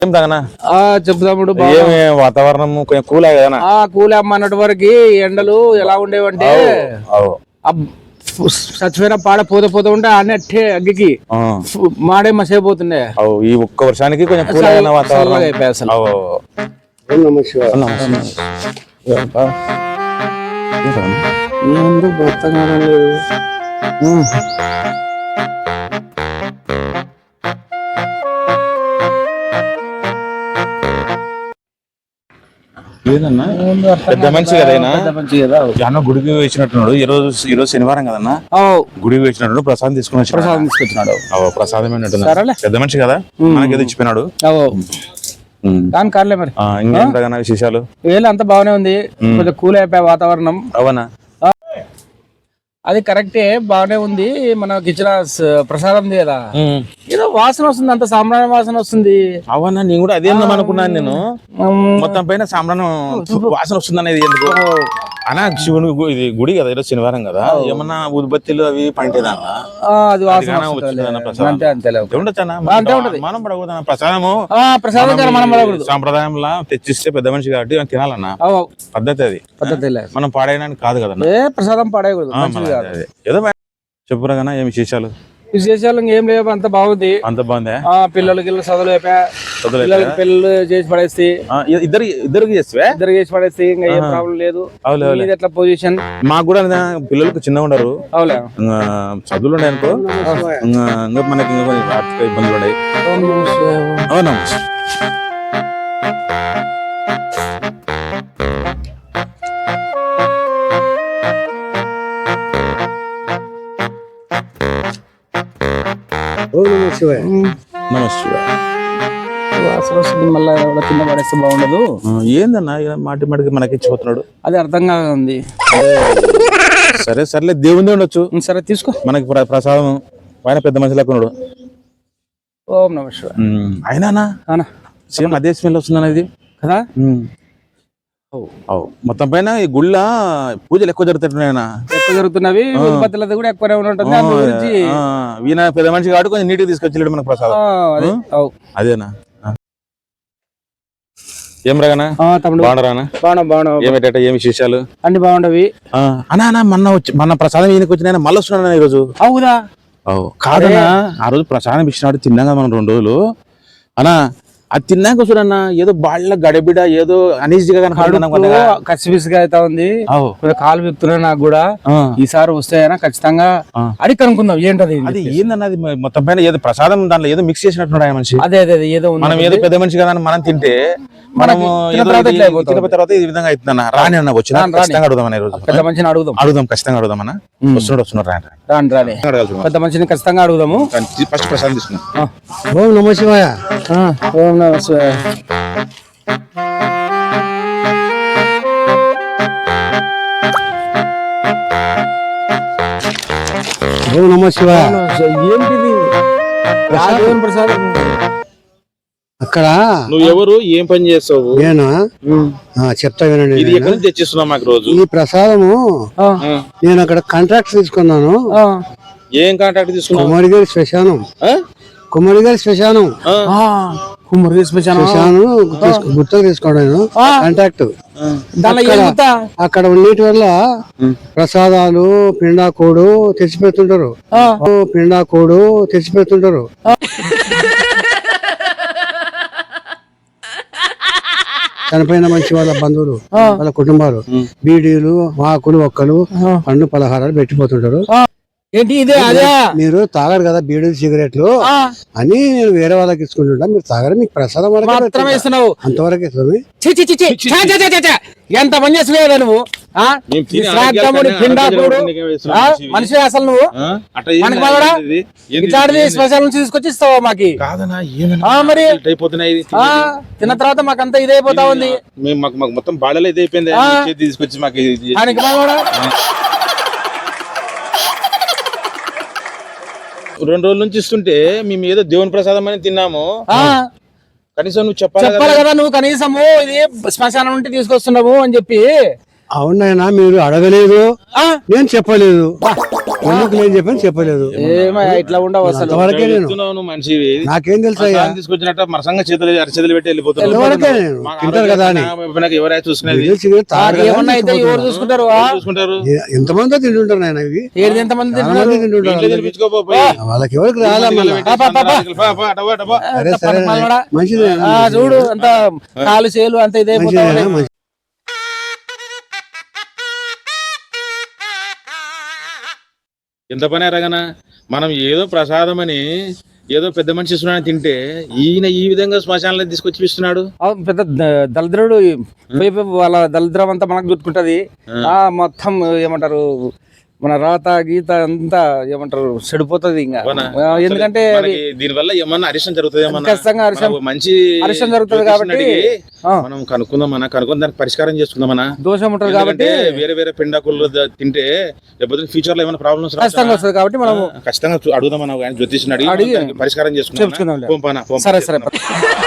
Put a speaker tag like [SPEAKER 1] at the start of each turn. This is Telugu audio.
[SPEAKER 1] చెప్తాముడు
[SPEAKER 2] వాతావరణం కొంచెం కూల్ కదా
[SPEAKER 1] కూల్ అన్నటి వరకు ఎండలు ఎలా ఉండేవంటే చచ్చిపోయిన పాడ పోతే ఉంటే అన్ని అట్టే అగ్గికి మాడే మసైపోతుండే.
[SPEAKER 2] ఈ ఒక్క వర్షానికి కొంచెం కూల్ అయిన వాతావరణం
[SPEAKER 1] అయిపోయి అసలు.
[SPEAKER 2] లేదన్నా పెద్ద మనిషి కదైనా గుడికి వేసినట్టున్నాడు. ఈరోజు శనివారం కదన్నా, గుడికి వేసినట్టు ప్రసాదం తీసుకొచ్చినాడు. ప్రసాదం పెద్ద మనిషి కదా, మనకేదో ఇచ్చిపోయినాడు.
[SPEAKER 1] కానిలే మరి
[SPEAKER 2] ఇంకేంటా విశేషాలు?
[SPEAKER 1] అంతా బాగానే ఉంది, కొంచెం కూల్ అయిపోయా వాతావరణం.
[SPEAKER 2] అవునా,
[SPEAKER 1] అది కరెక్టే, బాగానే ఉంది. మనకి ఇచ్చిన ప్రసాదం కదా, ఏదో వాసన వస్తుంది, అంత సాంబ్రాణి వాసన వస్తుంది.
[SPEAKER 2] అవునా, నేను కూడా అదే అనుకున్నాను. నేను మొత్తం పైన సాంబ్రాణి వాసన వస్తుంది అనేది ఎందుకు అనా? శివుని ఇది గుడి కదా, ఈరోజు శనివారం కదా, ఏమన్నా ఉద్బత్తిలు అవి పంటేదా?
[SPEAKER 1] అది
[SPEAKER 2] మనం పడకూడదు ప్రసాదము. సాంప్రదాయంలా తెచ్చిస్తే పెద్ద మనిషి కాబట్టి తినాలన్నా, పద్ధతి అది. మనం పాడేయడానికి కాదు కదా,
[SPEAKER 1] ప్రసాదం పాడేయకూడదు.
[SPEAKER 2] ఏదో చెప్పురా కన్నా, ఏమి విశేషాలు?
[SPEAKER 1] విశేషాలు ఏం లేవు, అంత బాగుంది.
[SPEAKER 2] అంత బాగుంది.
[SPEAKER 1] పిల్లలకి చదువులు పిల్లలకి పెళ్ళి చేసి పడేసి
[SPEAKER 2] ఇద్దరికి
[SPEAKER 1] చేసి పడేసి ఇంకా ఏం ప్రాబ్లం లేదు. ఎట్లా పొజిషన్?
[SPEAKER 2] మాకు కూడా పిల్లలకు చిన్నగా ఉండరు, చదువులు ఉన్నాయి అనుకో, ఇంకా మనకి ఇంకా కొన్ని ఆర్థిక ఇబ్బందులు ఉన్నాయి. అవునా,
[SPEAKER 1] మళ్ళా కింద పడేస్తే బాగుండదు.
[SPEAKER 2] ఏందన్నా మాటి మాటికి మనకి ఇచ్చిపోతున్నాడు,
[SPEAKER 1] అది అర్థం కాదు.
[SPEAKER 2] సరే సర్లే, దేవుంది ఉండొచ్చు.
[SPEAKER 1] సరే తీసుకో,
[SPEAKER 2] మనకి ప్రసాదం. ఆయన పెద్ద మనిషి లెక్కన్నాడు.
[SPEAKER 1] ఓం నమః శివాయ.
[SPEAKER 2] అయినా సేమ్ అదే స్మెల్ వస్తుంది ఇది
[SPEAKER 1] కదా.
[SPEAKER 2] మొత్తం పైన ఈ గుళ్ళ పూజలు ఎక్కువ
[SPEAKER 1] జరుగుతున్నవి, కూడా ఎక్కువనే ఉంటుంది.
[SPEAKER 2] ఈయన పెద్ద మనిషి కాబట్టి కొంచెం నీట్గా తీసుకొచ్చి మనకు ప్రసాదం. అదేనా, ఏం రాగానా తమ్ముడు? బాగున్నారా? ఏమి విశేషాలు?
[SPEAKER 1] అన్ని బాగుండవి.
[SPEAKER 2] అన్నా మన ప్రసాదం ఈయనకి వచ్చిన మళ్ళీ వస్తున్నాడు ఈ రోజు.
[SPEAKER 1] అవుదా?
[SPEAKER 2] కాదన్నా, ఆ రోజు ప్రసాదం ఇచ్చినాడు, తిన్నాం కదా మనం 2 రోజులు. అన్నా అది తిన్నాక చూడన్నా ఏదో బాళ్ళ గడబిడ ఏదో అనీజీగా
[SPEAKER 1] కసిపిసిగా అయితే ఉంది. కాలు వ్యక్తులు నాకు కూడా ఈసారి వస్తాయనా ఖచ్చితంగా అడిగి కనుక్కుందాం ఏంటది.
[SPEAKER 2] అది ఏందన్నా, అది మొత్తం పైన ఏదో ప్రసాదం దాంట్లో ఏదో మిక్స్ చేసినట్టున్నాడు ఆ మనిషి.
[SPEAKER 1] అదే ఏదో
[SPEAKER 2] మనం ఏదో పెద్ద మనిషి కదా మనం తింటే మనము తర్వాత ఈ విధంగా అవుతుందన్న. రాని అన్న వచ్చిన ఖచ్చితంగా అడుగుదాం,
[SPEAKER 1] పెద్ద మనిషిని
[SPEAKER 2] అడుగుదాం ఖచ్చితంగా అడుగుదామన్నా. వస్తున్నాడు
[SPEAKER 1] రాని పెద్ద మనిషిని ఖచ్చితంగా అడుగుదాము.
[SPEAKER 2] ఫస్ట్ ప్రసాదం తీసుకున్నాం.
[SPEAKER 1] ఓం నమః శివాయ. ఓం నమః శివాయ. ఓం నమః శివాయ. ఏంటిది ప్రసాదం? అక్కడ
[SPEAKER 2] నువ్వు ఎవరు, ఏం పని చేస్తావు?
[SPEAKER 1] నేను చెప్తా వినండి.
[SPEAKER 2] ఇది ఎక్కడి నుంచి తెచ్చిస్తున్నావు మాకు రోజు?
[SPEAKER 1] ఈ ప్రసాదము నేను అక్కడ కాంట్రాక్ట్ తీసుకున్నాను.
[SPEAKER 2] ఏం కాంట్రాక్ట్ తీసుకున్నావు?
[SPEAKER 1] కుమారిగారి శ్మశానం. గుర్తు తీసుకోవడం కాంట్రాక్ట్. అక్కడ ఉన్నటి వల్ల ప్రసాదాలు పిండాకోడు తెచ్చిపెడుతుంటారు. చనిపోయిన మనిషి వాళ్ళ బంధువులు, వాళ్ళ కుటుంబాలు బీడీలు, ఆకులు, ఒక్కలు, పండ్లు, పలహారాలు పెట్టిపోతుంటారు. ఏంటి ఇదే అదే మీరు తాగరు కదా బీడీలు, సిగరెట్లు అని నేను వేరే వాళ్ళకి ఇచ్చుకుంటుంటా. మీరు తాగరు, మీకు ప్రసాదం అంతవరకు ఎంత పని చేస్తున్నావు నువ్వు? మనిషి అసలు నువ్వు ఇట్లాంటిది స్పెషల్ నుంచి తీసుకొచ్చి ఇస్తావా మాకి? మరి తిన్న తర్వాత మాకంతా ఇదైపోతా ఉంది.
[SPEAKER 2] మొత్తం బాడలో ఇదైపోయింది, తీసుకొచ్చి మాకు 2 రోజుల నుంచి ఇస్తుంటే మేము ఏదో దేవుని ప్రసాదం అని తిన్నాము. కనీసం నువ్వు చెప్పాలి
[SPEAKER 1] కదా, నువ్వు కనీసము ఇది శ్మశానం నుండి తీసుకొస్తున్నావు అని చెప్పి. అవునైనా మీరు అడగలేదు, నేను చెప్పలేదు. ఎందుకు నేను చెప్పాను చెప్పలేదు
[SPEAKER 3] ఏమయ్యా ఇట్లా ఉండవు అసలు.
[SPEAKER 1] అంతవరకే నేను
[SPEAKER 2] చెప్తున్నావు నువ్వు మనిషివి
[SPEAKER 1] నాకేం తెలుసు అయ్యా
[SPEAKER 2] ప్రసాదం తీసుకొచ్చినట్టు మరసంగా అరచేతులు పెట్టి వెళ్ళిపోతున్నావు
[SPEAKER 1] అంతవరకే నేను తింటారు కదా అని
[SPEAKER 2] ఎవరైనా చూసుకునేది
[SPEAKER 1] వీడియో సిగరెట్ తాగరు కదా
[SPEAKER 3] ఏమన్నా అయితే ఎవరు చూసుకుంటారు?
[SPEAKER 2] చూసుకుంటారు
[SPEAKER 1] ఎంతమందో తింటుంటారు నాయన ఇవి
[SPEAKER 3] ఏది ఎంతమంది
[SPEAKER 1] చాలా
[SPEAKER 3] తింటున్నారు?
[SPEAKER 1] మంది తింటుంటారు
[SPEAKER 2] ఇంట్లో తినిపించుకోపోయి.
[SPEAKER 1] వాళ్ళకి ఎవరికి రాలా మళ్ళా సరే సరే మంచిది
[SPEAKER 3] చూడు అంత కాలు చేలు అంత ఇదైపోతా
[SPEAKER 1] మంచిది
[SPEAKER 3] ఉన్నాయి.
[SPEAKER 2] ఎంత పని ఎరగనా మనం ఏదో ప్రసాదం అని ఏదో పెద్ద మనిషి ఇస్తున్నాడని తింటే ఈయన ఈ విధంగా శ్మశానాలను తీసుకొచ్చి ఇస్తున్నాడు.
[SPEAKER 3] అవును, పెద్ద దళిద్రుడు పోయి వాళ్ళ దళిద్రం అంతా మనకు గుర్తుకుంటది. మొత్తం ఏమంటారు మన రాత గీత అంతా ఏమంటారు చెడిపోతుంది ఇంకా. ఎందుకంటే
[SPEAKER 2] దీని వల్ల ఏమన్నా అరిష్టం జరుగుతుంది,
[SPEAKER 3] ఖచ్చితంగా
[SPEAKER 2] మంచి
[SPEAKER 3] అరిష్టం జరుగుతుంది కాబట్టి
[SPEAKER 2] మనం కనుక్కుందామన్నా, కనుక్కొని దానికి పరిష్కారం చేసుకుందామా.
[SPEAKER 3] దోషం ఉంటుంది కాబట్టి
[SPEAKER 2] వేరే వేరే పిండాకులు తింటే లేకపోతే ఫ్యూచర్ లో ఏమైనా ప్రాబ్లమ్స్
[SPEAKER 3] ఖచ్చితంగా వస్తుంది కాబట్టి మనం
[SPEAKER 2] ఖచ్చితంగా అడుగుదామన్నా జ్యోతిష్ని అడిగి పరిష్కారం చేసుకుందాం.
[SPEAKER 3] సరే సరే.